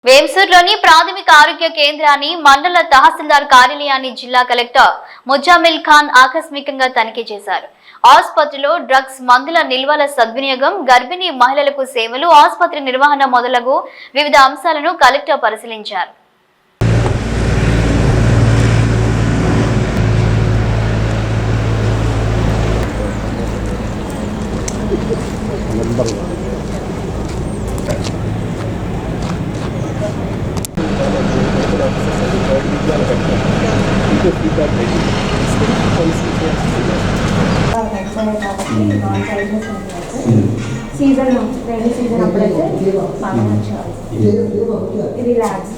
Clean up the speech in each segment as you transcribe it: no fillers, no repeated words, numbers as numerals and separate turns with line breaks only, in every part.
వేంసూర్లోని ప్రాథమిక ఆరోగ్య కేంద్రాన్ని మండల తహసీల్దార్ కార్యాలయాన్ని జిల్లా కలెక్టర్ ముజామిల్ ఖాన్ ఆకస్మికంగా తనిఖీ చేశారు. ఆసుపత్రిలో డ్రగ్స్, మందుల నిల్వల సద్వినియోగం, గర్భిణీ మహిళలకు సేవలు, ఆసుపత్రి నిర్వహణ మొదలగు వివిధ అంశాలను కలెక్టర్ పరిశీలించారు.
సీజన్ రైనీ సీజన్ అప్పుడైతే బాగా ఇది ల్యాబ్స్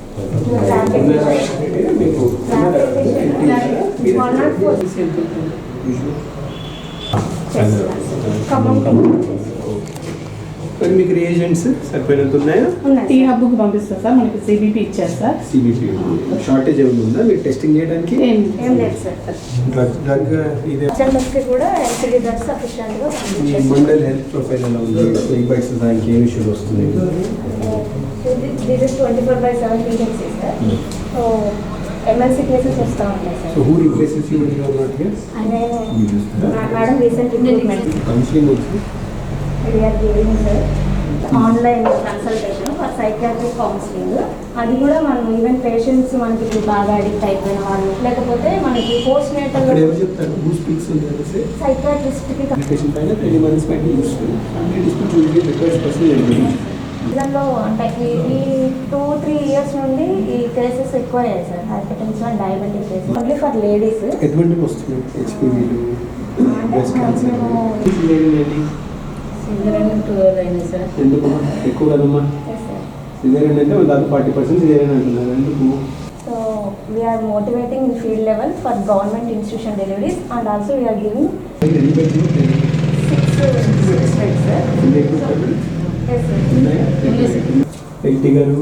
మీకు రియేజెంట్స్ సరిపోయినంత ఉన్నాయా?
టీ హబ్కు పంపిస్తారు సార్. మనకి సిబిపి ఇచ్చారు సార్.
సిబిపి షార్టేజ్ ఏమైనా ఉందా మీరు టెస్టింగ్ చేయడానికి?
ఏం లేదు సార్.
డ్రగ్ ఇదే
కూడా ఎల్సిడి డ్రగ్స్ సఫిషియెంట్గా
మండల్ హెల్త్ ప్రొఫైల్ ఎలా ఉంది? ఈ బైక్స్ దానికి ఏమి ఇష్యూస్ వస్తుంది?
This is 24/7 periods sir. So emergency cases వస్తూ ఉంటాయి sir.
So who replaces you in your not here?
Madam recent recruitment
counselling వచ్చి
we are giving sir online consultation for psychiatric counselling. అది కూడా మనం even patients మనకి బాగా addict అయిపోయిన వాళ్ళు, లేకపోతే మనకి పోస్ట్ నేటల్ సైకియాట్రిస్ట్కి ఇళ్ళలో అంటే ఈ 2-3 ఇయర్స్ నుండి ఈ కేసెస్ ఎక్కువ అయ్యాయి sir. Hypertension, diabetic cases only for ladies.
ఎటువంటి వస్తుంది? హెచ్పివిలు, బ్రెస్ట్ క్యాన్సర్, ఎందుకు ఎక్కువ కదమ్మా? సిజేరియన్ అంటే దాదాపు 40% సిజేరియన్ అంటున్నారు. ఎందుకు?
So we are motivating in field level for government institution deliveries and also we are giving 6 beds sir.
LT garu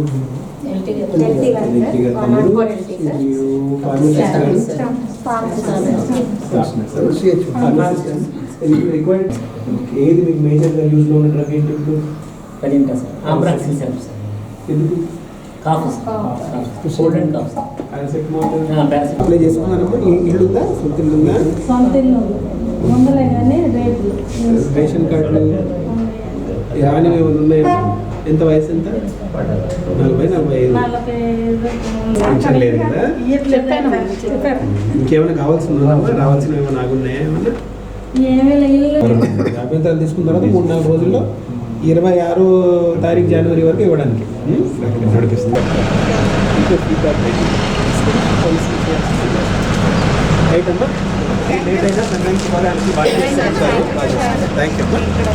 ఏది మీకు మేజర్గా యూజ్లో ఉన్న డ్రగ్ ఏంటి? ఎందుకు? అప్లై చేసుకున్నారమ్మా? ఇల్లు ఉందా? సొంత ఇల్లు ఉందా? రేషన్ కార్డులు రాని ఏమైనా ఉన్నాయా? ఎంత వయసు? ఎంత? 40-45. పెన్షన్ లేదు కదా? ఇంకేమైనా కావాల్సిందా? రావాల్సినవి ఏమైనా ఆగున్నాయా? ఏమన్నా అభ్యంతరాలు తీసుకున్న తర్వాత 3-4 రోజుల్లో 26 తారీఖు జనవరి వరకు ఇవ్వడానికి నడిపిస్తుంది. రైట్ అమ్మా. లేట్ అయినా సంఘానికి థ్యాంక్ యూ అమ్మా.